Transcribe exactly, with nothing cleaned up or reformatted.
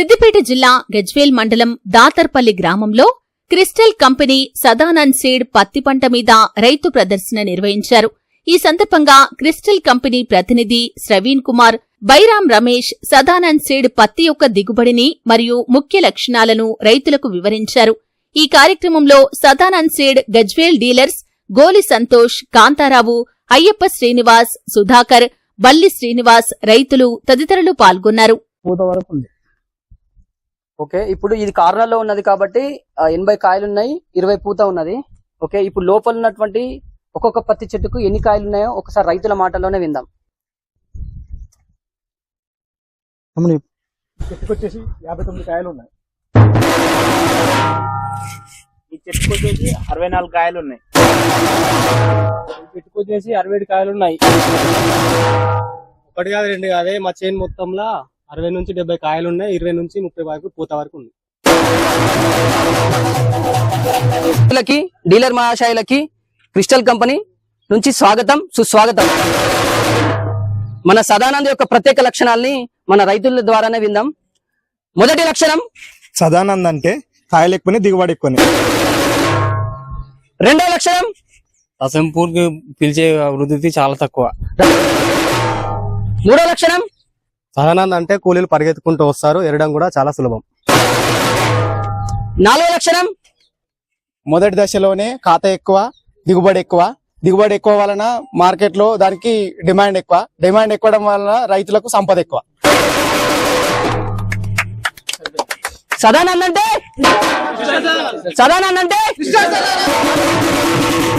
సిద్దిపేట జిల్లా గజ్వేల్ మండలం దాతర్పల్లి గ్రామంలో క్రిస్టల్ కంపెనీ సదానంద్ సీడ్ పత్తి పంట మీద రైతు ప్రదర్శన నిర్వహించారు. ఈ సందర్భంగా క్రిస్టల్ కంపెనీ ప్రతినిధి శ్రవీణ్ కుమార్, బైరాం రమేష్ సదానంద్ సీడ్ పత్తి యొక్క దిగుబడిని మరియు ముఖ్య లక్షణాలను రైతులకు వివరించారు. ఈ కార్యక్రమంలో సదానంద్ సీడ్ గజ్వేల్ డీలర్స్ గోలి సంతోష్, కాంతారావు, అయ్యప్ప శ్రీనివాస్, సుధాకర్, బల్లి శ్రీనివాస్, రైతులు తదితరులు పాల్గొన్నారు. ఓకే, ఇప్పుడు ఇది కార్నర్ లో ఉన్నది కాబట్టి ఎనభై కాయలు ఉన్నాయి, ఇరవై పూత ఉన్నది. ఓకే, ఇప్పుడు లోపల ఉన్నటువంటి ఒక్కొక్క పత్తి చెట్టుకు ఎన్ని కాయలు ఉన్నాయో ఒకసారి రైతుల మాటల్లోనే విందాం. చెట్టుకు వచ్చేసి యాభై తొమ్మిది కాయలు ఉన్నాయి. ఈ చెట్టుకు వచ్చేసి అరవై నాలుగు కాయలు ఉన్నాయి. ఈ చెట్టుకు వచ్చేసి అరవై ఏడు కాయలు ఉన్నాయి. ఒకటి కాదు రెండు కాదే, మా చేను మొత్తంలో అరవై నుంచి డెబ్బై కాయలు ఉన్నాయి. ఇరవై నుంచి ముప్పై వరకు పూత వరకు ఉంది. డీలర్ మహాశయులకి క్రిస్టల్ కంపెనీ నుంచి స్వాగతం, సుస్వాగతం. మన సదానంద్ యొక్క ప్రత్యేక లక్షణాలని మన రైతుల ద్వారానే విందాం. మొదటి లక్షణం, సదానంద్ అంటే కాయలు ఎక్కువని దిగుబడి ఎక్కువని. రెండో లక్షణం, అసంపూర్తి పిలిచే వృద్ధి చాలా తక్కువ. మూడో లక్షణం, సదానంద్ అంటే కూలీలు పరిగెత్తుకుంటూ వస్తారు, ఎరడం కూడా చాలా సులభం. నాలుగో లక్షణం, మొదటి దశలోనే ఖాతా ఎక్కువ, దిగుబడి ఎక్కువ. దిగుబడి ఎక్కువ వలన మార్కెట్ లో దానికి డిమాండ్ ఎక్కువ. డిమాండ్ ఎక్కువడం వలన రైతులకు సంపద ఎక్కువ. సదానంద్ అంటే సదానంద్ అంటే